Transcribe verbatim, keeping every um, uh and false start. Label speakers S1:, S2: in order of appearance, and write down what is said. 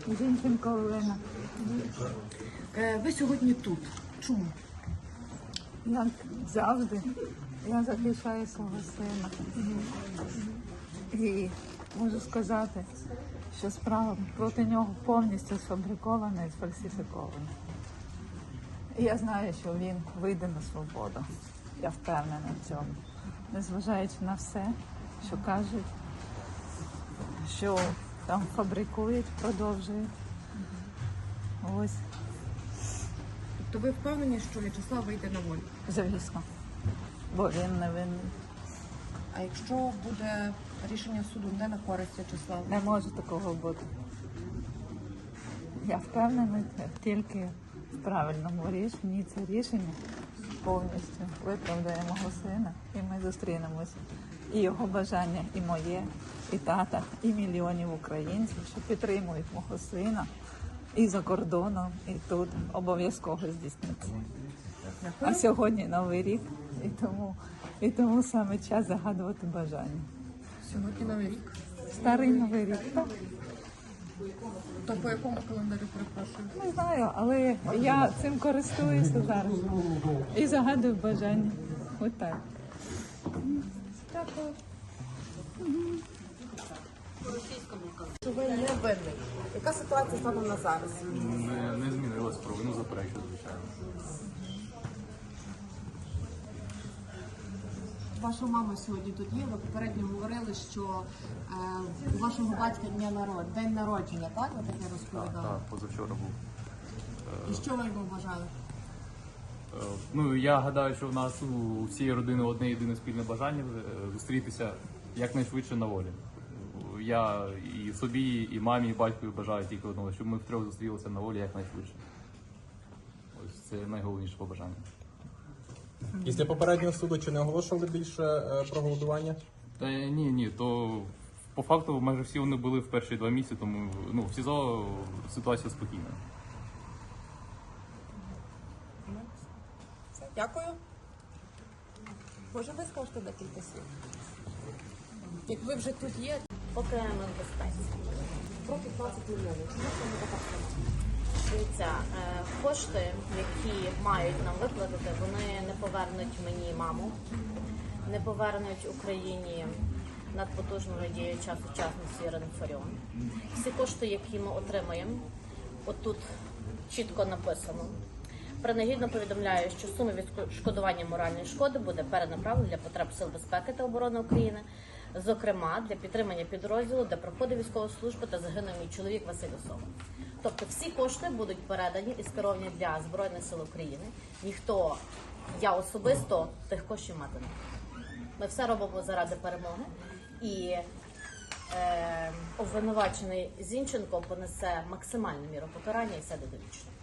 S1: Зінченко Олена.
S2: Ви сьогодні тут. Чому?
S1: Як завжди, я захищаю свого сина. І можу сказати, що справа проти нього повністю сфабрикована і сфальсифікована. І я знаю, що він вийде на свободу. Я впевнена в цьому. Незважаючи на все, що кажуть, що там фабрикують, продовжують. Ось.
S2: Тобто ви впевнені, що В'ячеслав вийде на волю?
S1: Звісно. Бо він не винний.
S2: А якщо буде рішення суду не на користь В'ячеслава?
S1: Не може такого бути. Я впевнена тільки в правильному рішенні. Це рішення повністю виправдає мого сина. І ми зустрінемось. І його бажання, і моє, і тата, і мільйонів українців, що підтримують мого сина і за кордоном, і тут обов'язково здійсниться. А сьогодні Новий рік, і тому, і тому саме час загадувати бажання.
S2: Сьогодні Новий рік.
S1: Старий Новий рік, так?
S2: То по якому календарю, перепрошую?
S1: Не знаю, але я цим користуюся зараз. І загадую бажання. Ось так.
S2: Дякую. Що ви не винний. Яка ситуація станом на зараз?
S3: Не, не змінилась, провину заперечую, звичайно.
S2: Ваша мама сьогодні тут є. Ви попередньо говорили, що е, у вашого батька дня народ... день народження, так? Ви таке розповідали?
S3: Так, позавчора був.
S2: І що ви йому бажали?
S3: Е, Ну, я гадаю, що в нас у всієї родини одне єдине спільне бажання е, зустрітися якнайшвидше на волі. Я і собі, і мамі, і батькові бажаю тільки одного, щоб ми втрьох зустрілися на волі якнайшвидше. Ось це найголовніше побажання.
S4: Після попереднього суду чи не оголошували більше е, про голодування?
S3: Та ні, ні, то по факту майже всі вони були в перші два місяці, тому ну, в СІЗО ситуація спокійна.
S2: Дякую. Може, ви скажете декілька слів? Як ви вже тут є,
S5: Поки ми в безпеці.
S2: про п'ятнадцять мільйонів. Чому саме така сума?
S5: Дивіться, е, кошти, які мають нам виплатити, вони не повернуть мені маму, не повернуть Україні надпотужну діяча сучасності Ірину Фаріон. Всі кошти, які ми отримаємо, отут чітко написано. Принагідно повідомляю, що сума відшкодування моральної шкоди буде перенаправлена для потреб Сил безпеки та оборони України, зокрема для підтримання підрозділу, де проходить військову службу та загинув мій чоловік Василь Осова. Тобто всі кошти будуть передані і скеровані для Збройних сил України. Ніхто, я особисто, тих коштів мати не буде. Ми все робимо заради перемоги. І е, обвинувачений Зінченко понесе максимальну міру покарання і сяде довічно.